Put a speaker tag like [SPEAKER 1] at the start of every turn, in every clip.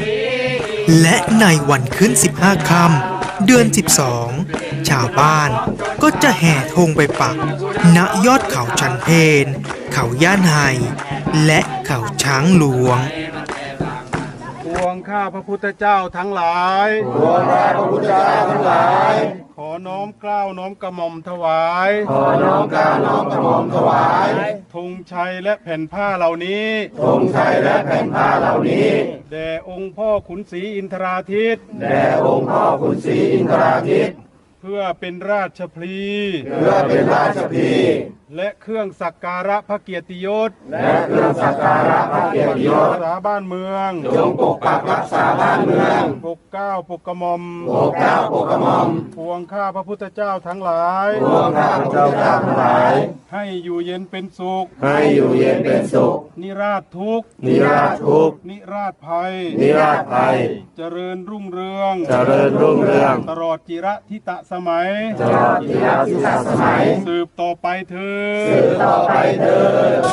[SPEAKER 1] และในวันขึ้น15 ค่ำเดือน12ชาวบ้านก็จะแห่ธงไปปักณยอดเขาชันเพนเขาย่านไฮและเขาช้างหลวง
[SPEAKER 2] ปวงข้าพระพุทธเจ้าทั้งหลาย
[SPEAKER 3] ปวงข้าพระพุทธเจ้าทั้งหลาย
[SPEAKER 2] ขอน้อมเกล้าน้อมกระหม่อมถวาย
[SPEAKER 3] ขอน้อมเกล้าน้อมกระหม่อมถวาย
[SPEAKER 2] ธงชัยและแผ่นผ้าเหล่านี้
[SPEAKER 3] ธงชัยและแผ่นผ้าเหล่านี้
[SPEAKER 2] แด่องค์พ่อขุนศรีอินทราทิต
[SPEAKER 3] แด่องค์พ่อขุนศรีอินทราทิต
[SPEAKER 2] เพื่อเป็นราชพลี
[SPEAKER 3] เพื่อเป็นราชพลี
[SPEAKER 2] และเครื่องสักการะพระเกียรติยศ
[SPEAKER 3] และเครื่องสักการะพระเกียรติยศ
[SPEAKER 2] รักษาบ้านเมือง
[SPEAKER 3] จงปกปักรักษาบ้านเมือง
[SPEAKER 2] ปกเกล้าปกกระหม่อม
[SPEAKER 3] ปกเกล้าปกกระหม่อม
[SPEAKER 2] ปวงข้าพระพุทธเจ้าทั้งหลาย
[SPEAKER 3] ปวงข้าพระพุทธเจ้าทั้งหลาย
[SPEAKER 2] ให้อยู่เย็นเป็นสุข
[SPEAKER 3] ให้อยู่เย็นเป็นสุข
[SPEAKER 2] นิราชทุกข์
[SPEAKER 3] นิราชทุกข์
[SPEAKER 2] นิราชภัย
[SPEAKER 3] นิราชภัย
[SPEAKER 2] เจริญรุ่งเรือง
[SPEAKER 3] เจริญรุ่งเรือง
[SPEAKER 2] ตลอดจิรทิตสมัย
[SPEAKER 3] ตลอดจิรทิตสมัย
[SPEAKER 2] สืบต่อไปเถิด
[SPEAKER 3] สืบต่อไปเถิด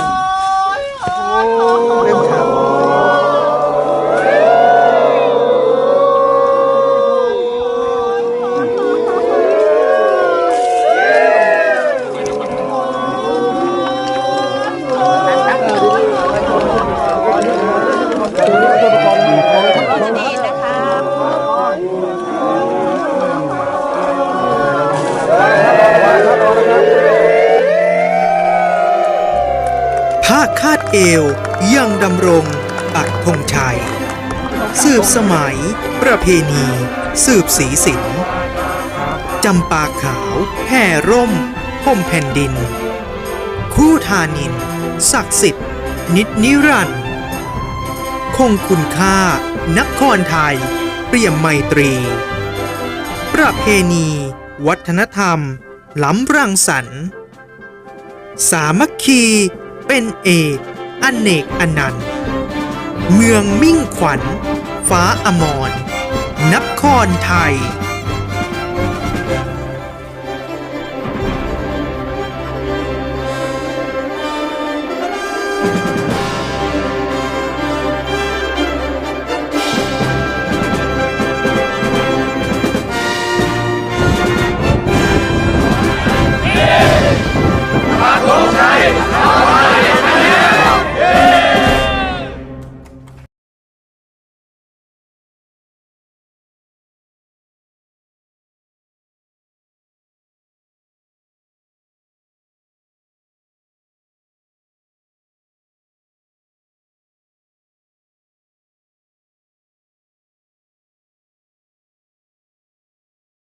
[SPEAKER 1] ผ้าคาดเอวยังดำรงปักธงชัยสืบสมัยประเพณีสืบสีสินจำปาขาวแผ่ร่มห่มแผ่นดินคู่ธานินศักดิ์สิทธิ์นิจนิรันดร์คงคุณค่านครไทยเปี่ยมไมตรีประเพณีวัฒนธรรมล้ำรังสรรค์สามัคคีเป็นเอกอเนกอนันต์เมืองมิ่งขวัญฟ้าอมรนครไทย